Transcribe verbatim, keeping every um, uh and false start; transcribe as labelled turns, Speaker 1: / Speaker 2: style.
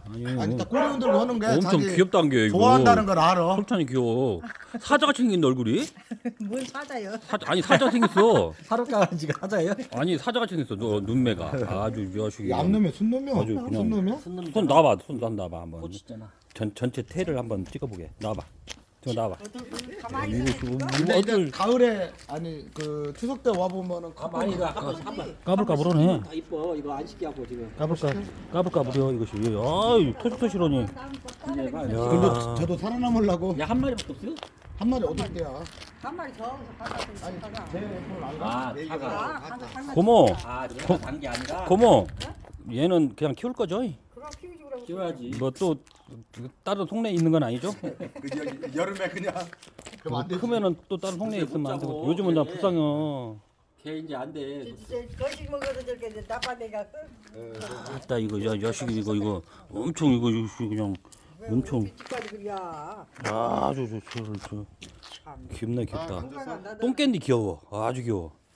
Speaker 1: 아니,
Speaker 2: 아니 딱 꼬리 흔들고 하는 게
Speaker 1: 엄청
Speaker 2: 자기
Speaker 1: 귀엽다는 게 이거.
Speaker 2: 좋아한다는 걸 알아.
Speaker 1: 솔찬이 귀여워. 사자같이 생긴 얼굴이?
Speaker 3: 뭘 찾아요?
Speaker 1: 사, 아니 사자 생겼어.
Speaker 4: 하룻강아지가 하자예요?
Speaker 1: 아니 사자같이 생겼어. 너 눈매가 아주 이 자식이.
Speaker 2: 암놈이야 순놈이야.
Speaker 1: 아주 그냥-
Speaker 2: 순놈이야?
Speaker 1: 손 놔봐, 손 놔봐 한번.
Speaker 4: 꽂혔잖아.
Speaker 1: 전 전체 태를 한번 찍어보게. 놔봐. 저 놔봐.
Speaker 3: 가만히
Speaker 1: 이거
Speaker 3: 있어.
Speaker 1: 지금
Speaker 2: 근데
Speaker 1: 이거
Speaker 2: 이제
Speaker 1: 어쩔
Speaker 2: 가을에 아니 그 추석 때 와 보면은
Speaker 4: 아 많이 이거 한번 한번
Speaker 1: 까불까불하네.
Speaker 4: 다 이뻐 이거 안 시게 하고 지금.
Speaker 1: 까불까 까불까불해요 이것이. 아유 토시토시러니.
Speaker 4: 이제 봐.
Speaker 1: 야.
Speaker 2: 근데 저도 살아남으려고
Speaker 4: 야한 마리밖에 없어요?
Speaker 2: 한 마리 얻을 때야.
Speaker 3: 한 마리 저기서 바깥에 있어.
Speaker 2: 아니
Speaker 3: 차가.
Speaker 2: 제 손을 안
Speaker 4: 아,
Speaker 2: 가. 네
Speaker 4: 차가.
Speaker 2: 개가.
Speaker 3: 아, 가서 한 마리.
Speaker 1: 고모,
Speaker 4: 아 내가 단게 아니라.
Speaker 1: 고모. 얘는 그냥 키울 거죠?
Speaker 3: 그럼 키우지 그러고.
Speaker 4: 키워야지.
Speaker 1: 뭐 또 다른 동네에 있는 건 아니죠?
Speaker 2: 그 여- 여름에 그냥 그럼 안 되지.
Speaker 1: 크면은 또 다른 동네에
Speaker 4: 못
Speaker 1: 있으면 안 되고.
Speaker 4: 자고,
Speaker 1: 요즘은 나
Speaker 4: 그래.
Speaker 1: 불쌍해.
Speaker 4: 걔 이제 안 돼.
Speaker 3: 거식 먹어도 저렇게 나빠내가.
Speaker 1: 있다 이거 야 야식이 이거 이거 엄청 이거 이거 그냥 엄청
Speaker 3: 집까지 그래야.
Speaker 1: 아주 저저 저, 저,
Speaker 3: 참.
Speaker 1: 귀엽네 귀엽다.
Speaker 3: 누가 간다, 너.
Speaker 1: 똥캔디 귀여워. 아주 귀여워.